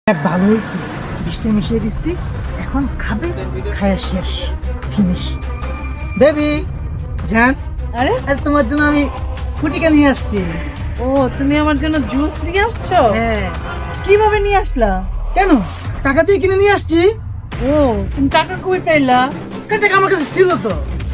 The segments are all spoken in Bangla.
এক ভালো হয়েছে, বৃষ্টি মিশিয়ে দিচ্ছি, এখন খাবে, খায়া শেষ, ফিনিশ। বেবি জান, আরে আর তোমার জন্য আমি ফুটিকা নিয়ে আসছি। ও, তুমি আমার জন্য জুস নিয়ে আসছো? হ্যাঁ। কিভাবে নিয়ে আসলা? কেন? টাকা দিয়ে কিনে নিয়ে আসছি। ও, তুমি টাকা কই পাইলা? টাকা আমার কাছে ছিল তো।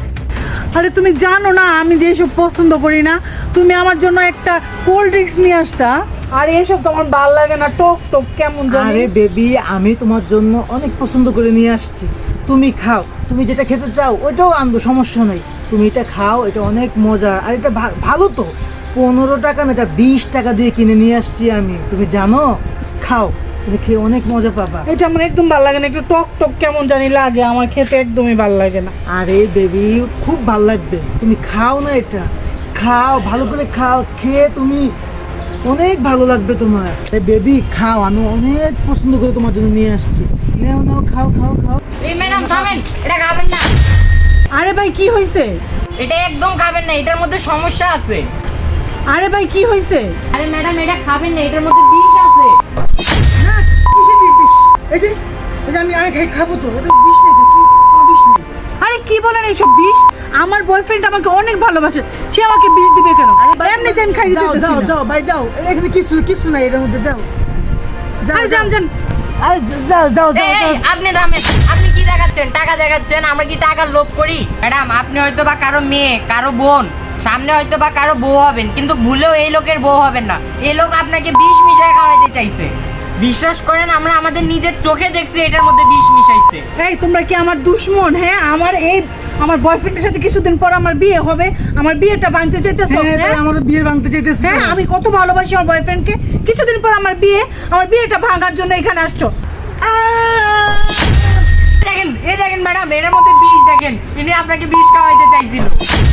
আরে তুমি জানো না আমি যে এসব পছন্দ করি না, তুমি আমার জন্য একটা কোল্ড ড্রিঙ্কস নিয়ে আসতা। আর এসব তো আমার ভালো লাগে না, টক টক কেমন জানি। আরে বেবি, আমি তোমার জন্য অনেক পছন্দ করে নিয়ে আসছি, তুমি খাও। তুমি যেটা খেতে চাও ওইটাও আনবো, সমস্যা নেই। তুমি এটা খাও, এটা অনেক মজা। আর এটা ভালো তো। 15 টাকা না, এটা 20 টাকা দিয়ে কিনে নিয়ে আসছি আমি, তুমি জানো। খাও, তুমি খেয়ে অনেক মজা পাবা। এটা আমার একদম ভালো লাগে না, একটু টক টক কেমন জানি লাগে, আমার খেতে একদমই ভালো লাগে না। আরে বেবি, খুব ভালো লাগবে, তুমি খাও না, এটা খাও, ভালো করে খাও। খেয়ে তুমি অনেক ভালো লাগবে তোমার। বেবি খাও, আমি অনেক পছন্দ করে তোমার জন্য নিয়ে আসছি। নাও নাও, খাও খাও খাও। এই ম্যাডাম থামেন, এটা খাবেন না। আরে ভাই কি হয়েছে? এটা একদম খাবেন না, এটার মধ্যে সমস্যা আছে। আরে ভাই কি হয়েছে? আরে ম্যাডাম এটা খাবেন না, এটার মধ্যে বিষ আছে। না, কিসের বিষ? এই যে আমি খাবো তো, এটা বিষ নেই তো, কি কোনো বিষ নেই। আরে কি বলেন এইসব বিষ? আমার বয়ফ্রেন্ড আমাকে অনেক ভালোবাসে, সে আমাকে বিষ দিবে কেন? এমনিতে আমি খাই দিতে যাও যাও যাও ভাই, যাও, এখানে কিছু নাই এর মধ্যে, যাও যাও। আরে যান যান। আরে যাও যাও যাও এই, যাও। আপনি থামেন, আপনি কি দেখাচ্ছেন? টাকা দেখাচ্ছেন? আমরা কি টাকার লোভ করি? ম্যাডাম আপনি হয়তো বা কারো মেয়ে, কারো বোন, সামনে হয়তো বা কারো বউ হবেন, কিন্তু ভুলেও এই লোকের বউ হবেন না। এই লোক আপনাকে বিষ মিশায় খাওয়াইতে চাইছে। বিশ্বাস করেন, আমরা আমাদের নিজের চোখে দেখছি এটার মধ্যে বিষ মিশাইছে। এই তোমরা কি আমার দুশমন? হ্যাঁ, আমার বয়ফ্রেন্ডের সাথে কিছুদিন পর আমার বিয়ে হবে, আমার বিয়েটা ভাঙতে চাইতেছো? হ্যাঁ, তাই আমাদের বিয়ে ভাঙতে চাইতেছে। হ্যাঁ, আমি কত ভালোবাসি আমার বয়ফ্রেন্ডকে, কিছুদিন পর আমার বিয়েটা ভাঙার জন্য এখানে আসছো। দেখেন, এই দেখেন ম্যাডাম, এটার মধ্যে বিষ দেখেন, ইনি আপনাকে বিষ খাওয়াইতে চাইছিল।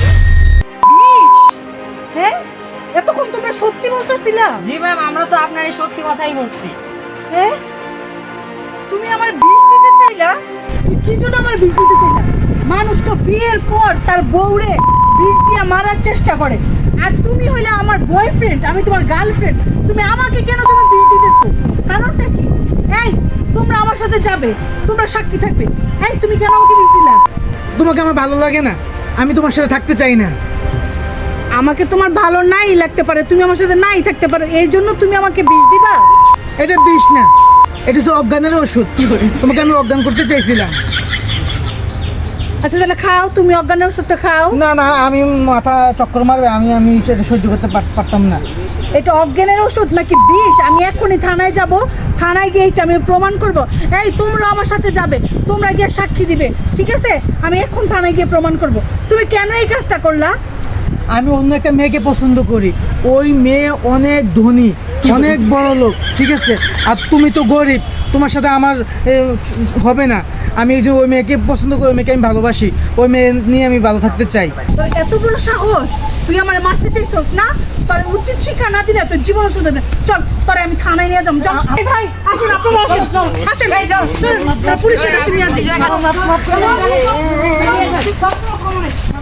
হ্যাঁ, এতক্ষণ তোমরা সত্যি বলতেছিলা? জি ম্যাম, আমরা তো আপনার এই সত্যি কথাই বলছি। হ্যাঁ, তুমি আমার বিষ দিতে চাইলা? কি জন্য আমার বিষ দিতে চাইলা? মানুষ তো বিয়ের পর তার বউরে বিষ দিয়ে মারার চেষ্টা করে, আর তুমি হইলে আমার বয়ফ্রেন্ড, আমি তোমার গার্লফ্রেন্ড, তুমি আমাকে কেন তুমি বিষ দিতেছো? কারণটা কি? এই তোমরা আমার সাথে যাবে, তোমরা সাক্ষী থাকবে। এই তুমি কেন আমাকে বিষ দিলা? তোমাকে আমার ভালো লাগে না, আমি তোমার সাথে থাকতে চাই না। আমাকে তোমার ভালো নাই লাগতে পারে, তুমি আমার সাথে নাই থাকতে পারো, এই জন্য তুমি আমাকে বিষ দিবা? এটা বিষ না, এটা হচ্ছে অজ্ঞানের ওষুধ। তোমাকে আমি অজ্ঞান করতে চাইছিলাম। আচ্ছা তাহলে খাও, তুমি অজ্ঞানের ওষুধটা খাও। না না, আমি মাথা চক্কর মারবে, আমি সেটা সহ্য করতে পারতাম না। এটা অজ্ঞানের ওষুধ নাকি বিষ? আমি এখনই থানায় যাব, থানায় গিয়ে এটা আমি প্রমাণ করব। এই তোমরা আমার সাথে যাবে, তোমরা গিয়ে সাক্ষী দিবে, ঠিক আছে? আমি এখন থানায় গিয়ে প্রমাণ করব। তুমি কেন এই কাজটা করলা? আমি অন্য একটা মেয়েকে পছন্দ করি, ওই মেয়ে অনেক ধনী, অনেক বড় লোক, ঠিক আছে? আর তুমি তো গরিব, তোমার সাথে আমার হবে না। আমি এই যে ওই মেয়েকে পছন্দ করি, ওই মেয়েকে আমি ভালোবাসি, ওই মেয়ে নিয়ে আমি ভালো থাকতে চাই। তোর এত বড় সাহস, তুই আমার মারতে চাইছস না? তোর উচিত শিক্ষা না দিলে তোর জীবন শুধবে না। চল, তোরে আমি থানায় নিয়ে যাবো। চল এই ভাই, আসুন, আপনারা আসুন, আসেন, চল, পুলিশের কাছে নিয়ে আসি।